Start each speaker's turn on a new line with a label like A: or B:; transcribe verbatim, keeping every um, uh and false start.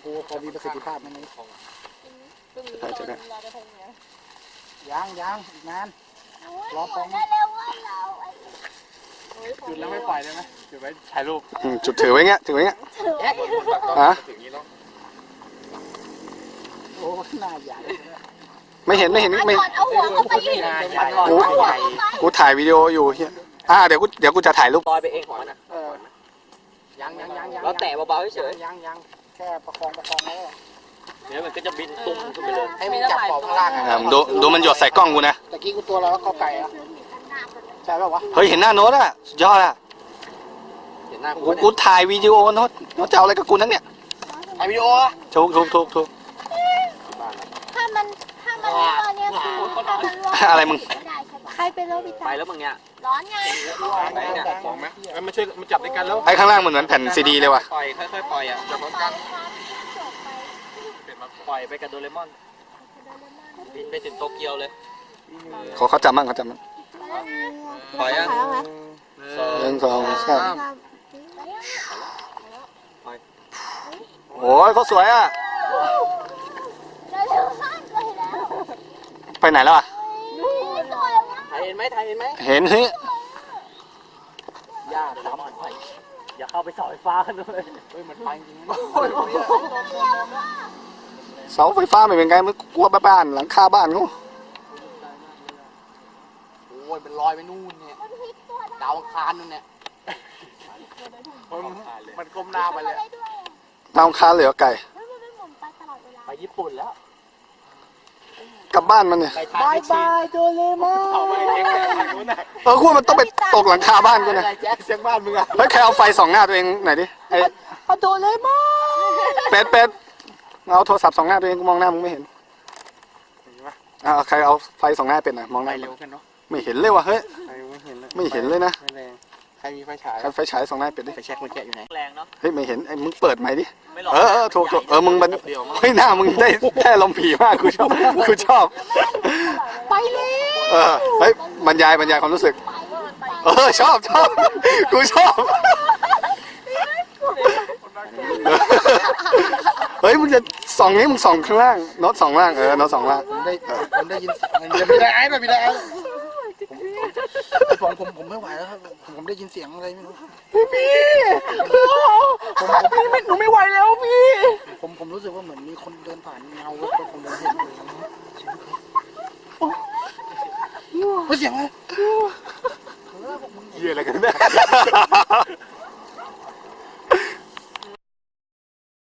A: กูพอมีประสิทธิภาพไหมนี่
B: ใช่ใช่
A: ยังยังอีกนานรอปองจุดแล้วไม่ปล่อยได้ไหมจุดไว้ถ่ายรูป
B: จุดถือไว้เงี้ยถือไว้เงี้ยฮะ
A: โอ้หน้าใหญ่
B: ไม่เห็นไม่เห็นไม่
C: เอาหัวเข้าไปยืน
B: กูกูถ่ายวิดีโออยู่เฮียอ่าเดี๋ยวกูเดี๋ยวกูจะถ่ายรูป
D: ลอยไปเองของมันอ่ะ
A: ยังยังยังยัง
D: เราแตะเบาๆเฉย
A: ยังยังแค่ประคองประคองแล้ว
D: เดี๋ยวมันก็จะบินตุ้มขึ้นไปเลย
A: ให้มันจับขอบข้างล่างอ่ะ
B: ดูดูมันหยดใส่กล้องกูนะ
A: ตะกี้กูตัวเราแล้วเข้าไก่อ่ะใช่ป่าววะ
B: เฮ้ยเห็นหน้าโน้ตอ่ะสุดยอดอ่ะ
D: เห็นหน้ากู
B: กูถ่ายวิดีโอโน้ตโน้ตจะเอาอะไรกับกูนั่นเนี่ย
A: ถ่ายวิดีโอ
B: ถูกถูกถูกถูก
C: ถ้ามันถ้ามันร้อนเนี่ยคือ
B: อะไรมึง
C: ใครเป็นโรคบิตา
D: ไปแล้วมึงเนี่ย
C: ร้อนไง
D: ไปเนี่ย
A: มองไหมมันช่วยมันจับด้วยกันแล้ว
B: ไอ้ข้างล่างมันเหมือนแผ่นซีดีเลยว่ะ
D: ปล่อยค่อยๆปล่อยอ่ะจับพร้อมกันปล่อยไปกับโดเรมอนบินไปถึงโตเกียวเลย
B: ขอเขาจำมั่งเขาจำมั่ง
D: ปล่อยยัง
B: หนึ่งสองสามโอ้ยเขาสวยอ่ะไปไหนแล้วอ่ะ
D: ถ่ายเห็นไหมถ่ายเห็นไหม
B: เห็นเฮ้ย
D: ย่าน้ำมันไปอย่าเข้าไปเสาไฟฟ้ากันด้วย
A: เฮ้ยมันไปจริง
B: เสาไฟฟ้าไม่เป็นไงมันกลัวบ้านหลังคาบ้านเขา
A: โอ้ยเป็นรอยไปนู่นเนี่ยดาวอังคารนู่นเนี่ยมันก้มหน้าไปเลย
B: ดาวอังคารเหลือไก่
D: ไปญี่ปุ่นแล้ว
B: กลับบ้านมันเนี่ย
A: บายบายโดเรมอน
B: เออขั้วมันต้องไปตกหลังคาบ้านกูนะ
A: แจ็คเสียงบ้านมึงอะ
B: เฮ้ยใครเอาไฟส่องหน้าตัวเองไหนดิไอ้
A: โดเรมอน
B: เป็ดเป็ดเอาโทรศัพท์ส่องหน้าตัวเองกูมองหน้ามึงไม่เห็นอ่าใครเอาไฟส่องหน้าเป็นอ่ะมองหน้า
A: เร็วกันเนาะ
B: ไม่เห็นเลยว่ะเฮ้ย
A: ไม่เห็นเลย
B: ไม่เห็นเลยนะ
A: ใครมีไฟฉาย
B: ใครไฟฉายส่องหน้าเป็ดดิ
A: ไฟแช็กมันแกะอยู่ไหน
D: แรงเนาะ
B: เฮ้ยไม่เห็นไอ้มึงเปิดไหมดิเออเออถูกถูกเออมึงมันเฮ้ยหน้ามึงได้แค่ลมผีมากกูชอบกูชอบ
C: ไปเลย
B: เออเฮ้ยบรรยายบรรยายความรู้สึกเออชอบชอบกูชอบเฮ้ยมึงจะส่องนี้มึงส่องข้างล่างโน้ตส่องล่างเออโน้ตส่องล่าง
A: ผมได้ผมได้ยินมันมีได้ไอ้แบบมีได้ไอ้ผมผมผมไม่ไหวแล้วครับผมได้ยินเสียงอะไรไม่รู้
B: พี่ผมพี่ไม่หนูไม่ไหวแล้วพี่
A: ผมผมรู้สึกว่าเหมือนมีคนเดินผ่านเงาแล้วผมเดินเห็นเฮ้ยเสียงอะไร
B: เยี่ยอะไรกันเนี่ย